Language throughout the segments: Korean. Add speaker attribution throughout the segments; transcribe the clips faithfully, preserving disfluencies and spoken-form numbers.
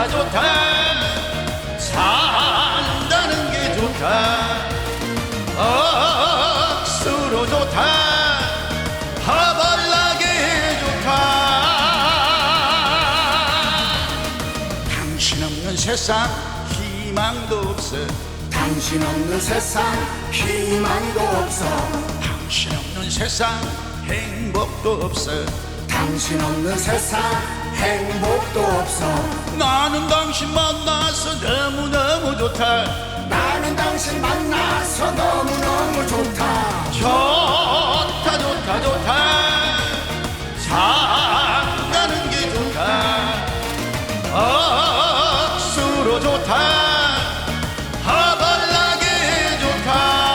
Speaker 1: 좋다 산다는 게 좋다 억수로 좋다 하발나게 좋다 당신 없는 세상 희망도 없어
Speaker 2: 당신 없는 세상 희망도 없어
Speaker 1: 당신 없는 세상 행복도 없어
Speaker 2: 당신 없는 세상 행복도 없어
Speaker 1: 나는 당신 만나서 너무너무 좋다
Speaker 2: 나는 당신 만나서 너무너무 좋다
Speaker 1: 좋다 좋다 좋다 산다는 게 좋다 억수로 좋다 하발나게 좋다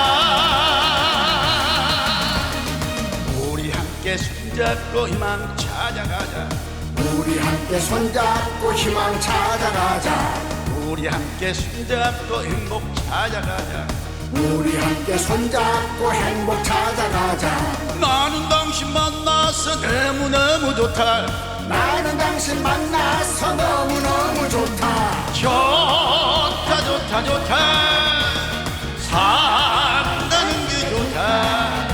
Speaker 1: 우리 함께 손잡고 희망 찾아가자
Speaker 2: 우리 함께 손잡고 희망 찾아가자
Speaker 1: 우리 함께 손잡고 행복 찾아가자
Speaker 2: 우리 함께 손잡고 행복 찾아가자
Speaker 1: 나는 당신 만나서 너무너무 좋다
Speaker 2: 나는 당신 만나서 너무너무 좋다
Speaker 1: 좋다 좋다 좋다 산다는 게 좋다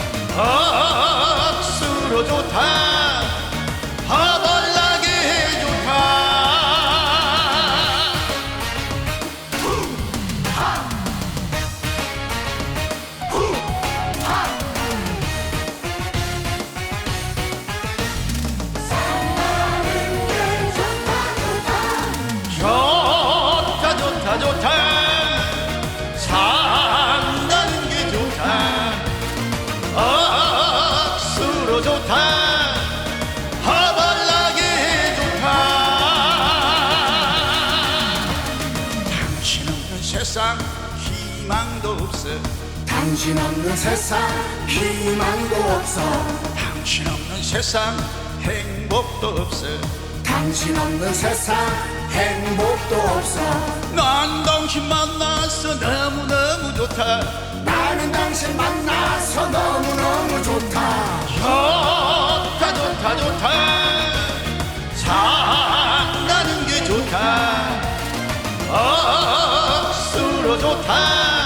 Speaker 1: 억수로 좋다 하발나게 좋다 좋다 좋다 좋다 산다는 게 좋다 억수로 좋다 하발나게 좋다 당신 없는 세상 희망도 없어
Speaker 2: 당신 없는 세상 희망도 없어
Speaker 1: 당신 없는 세상 행복도 없어
Speaker 2: 당신 없는 세상 행복도 없어
Speaker 1: 난 당신 만나서 너무너무 좋다
Speaker 2: 나는 당신 만나서 너무너무 좋다
Speaker 1: 좋다 좋다 좋다 산다는 게 좋다 억수로 좋다